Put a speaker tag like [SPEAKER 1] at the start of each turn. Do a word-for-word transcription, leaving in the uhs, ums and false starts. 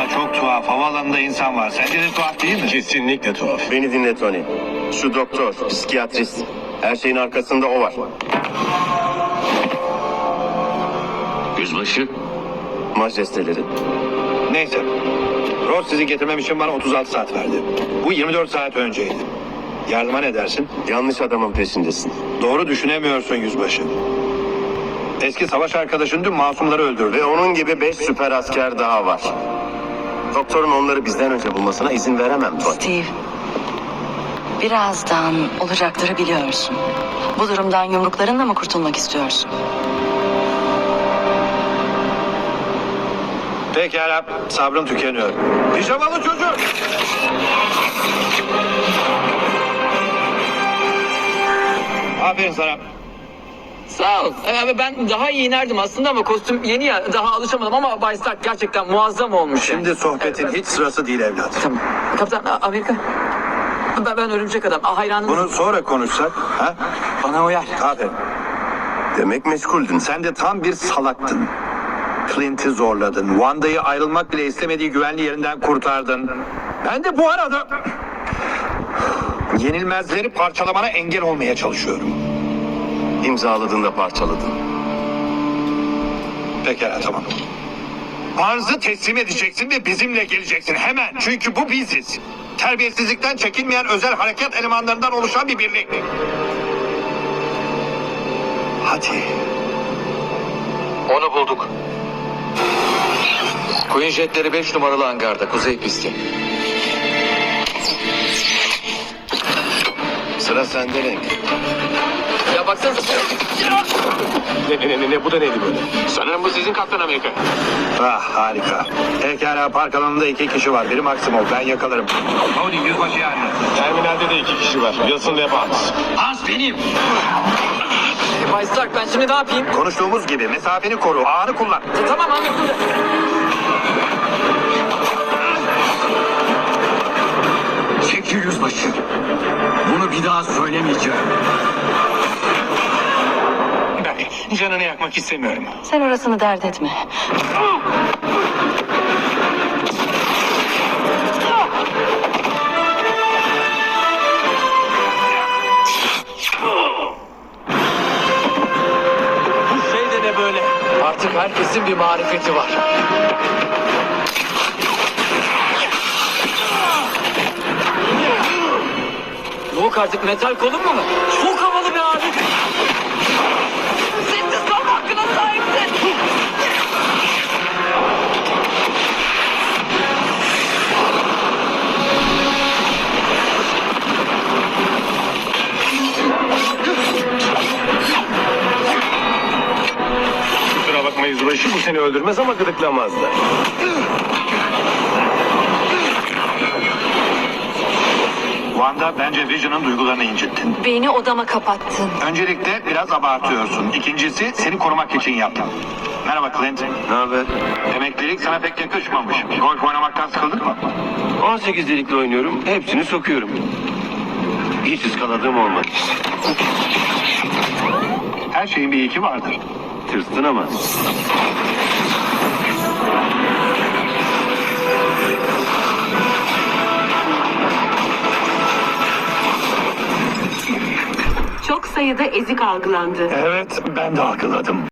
[SPEAKER 1] Valla çok tuhaf. Havaalanında insan var. Sence de tuhaf değil mi?
[SPEAKER 2] Kesinlikle tuhaf.
[SPEAKER 3] Beni dinle Tony. Şu doktor, psikiyatrist. Her şeyin arkasında o var.
[SPEAKER 2] Yüzbaşı.
[SPEAKER 3] Majesteleri.
[SPEAKER 1] Neyse. Ross sizi getirmem için bana otuz altı saat verdi. Bu yirmi dört saat önceydi. Yardıma ne dersin?
[SPEAKER 3] Yanlış adamın peşindesin.
[SPEAKER 1] Doğru düşünemiyorsun yüzbaşı. Eski savaş arkadaşın dün masumları öldürdü.
[SPEAKER 3] Ve onun gibi beş süper asker daha var. Doktorun onları bizden önce bulmasına izin veremem Tony.
[SPEAKER 4] Steve, birazdan olacakları biliyorsun. Bu durumdan yumruklarınla mı kurtulmak istiyorsun?
[SPEAKER 1] Pekala, sabrım tükeniyor. Pijamalı çocuk! Aferin sana.
[SPEAKER 5] Sağ ol. Ee, ben daha iyi inerdim aslında ama kostüm yeni ya, daha alışamadım ama Bay Stark gerçekten muazzam olmuş. yani.
[SPEAKER 1] Şimdi sohbetin hiç sırası değil evlat.
[SPEAKER 5] Tamam. Kaptan A- Amerika. Ben, ben örümcek adam. Aa, hayranım.
[SPEAKER 1] Bunu sonra konuşsak, ha?
[SPEAKER 5] Bana uyar.
[SPEAKER 1] Aferin.
[SPEAKER 3] Demek meşguldün.
[SPEAKER 1] Sen de tam bir salaktın. Clint'i zorladın. Wanda'yı ayrılmak bile istemediği güvenli yerinden kurtardın. Ben de bu arada yenilmezleri parçalamana engel olmaya çalışıyorum.
[SPEAKER 3] İmzaladığında parçaladın.
[SPEAKER 1] Pekala, tamam. Arzı teslim edeceksin ve bizimle geleceksin hemen. Çünkü bu biziz. Terbiyesizlikten çekinmeyen özel harekat elemanlarından oluşan bir birlik. Hadi.
[SPEAKER 6] Onu bulduk. Queen jetleri beş numaralı hangarda, kuzey pisti.
[SPEAKER 3] Sıra sende Renk.
[SPEAKER 5] Ya baksanıza.
[SPEAKER 2] Ne ne ne ne bu da neydi böyle? Sanırım bu sizin Kaptan Amerika.
[SPEAKER 1] Ah, harika. Pekala, park alanında iki kişi var. Biri Maximo. Ben yakalarım. Howdy, yüzbaşı yani.
[SPEAKER 2] Terminalde de iki kişi var. Wilson ve Barnes.
[SPEAKER 5] Bay Stark, ben şimdi ne yapayım?
[SPEAKER 1] Konuştuğumuz gibi mesafeni koru. Ağını kullan.
[SPEAKER 5] E, tamam anladım.
[SPEAKER 2] Çekil yüzbaşı. Bunu bir daha söylemeyeceğim. Ben canını yakmak istemiyorum.
[SPEAKER 4] Sen orasını dert etme.
[SPEAKER 5] Bu şey de ne böyle?
[SPEAKER 6] Artık herkesin bir marifeti var.
[SPEAKER 5] Yok artık, metal kolun mu? Çok havalı bir abi. Sessiz kalma hakkına sahipsin.
[SPEAKER 2] Kusura bakma yüzbaşı, bu seni öldürmez ama gıdıklamaz da.
[SPEAKER 1] Wanda, bence Vision'ın duygularını incittin.
[SPEAKER 4] Beni odama kapattın.
[SPEAKER 1] Öncelikle biraz abartıyorsun. İkincisi, seni korumak için yaptım. Merhaba Clint.
[SPEAKER 3] Ne haber?
[SPEAKER 1] Emeklilik sana pek yakışmamış. Golf oynamaktan sıkıldın mı?
[SPEAKER 3] on sekiz delikli oynuyorum. Hepsini sokuyorum. Hiç ıskaladığım olmadı.
[SPEAKER 1] Her şeyin bir iki vardır.
[SPEAKER 3] Tırstın ama.
[SPEAKER 7] Çok sayıda ezik algılandı.
[SPEAKER 1] Evet, ben de algıladım.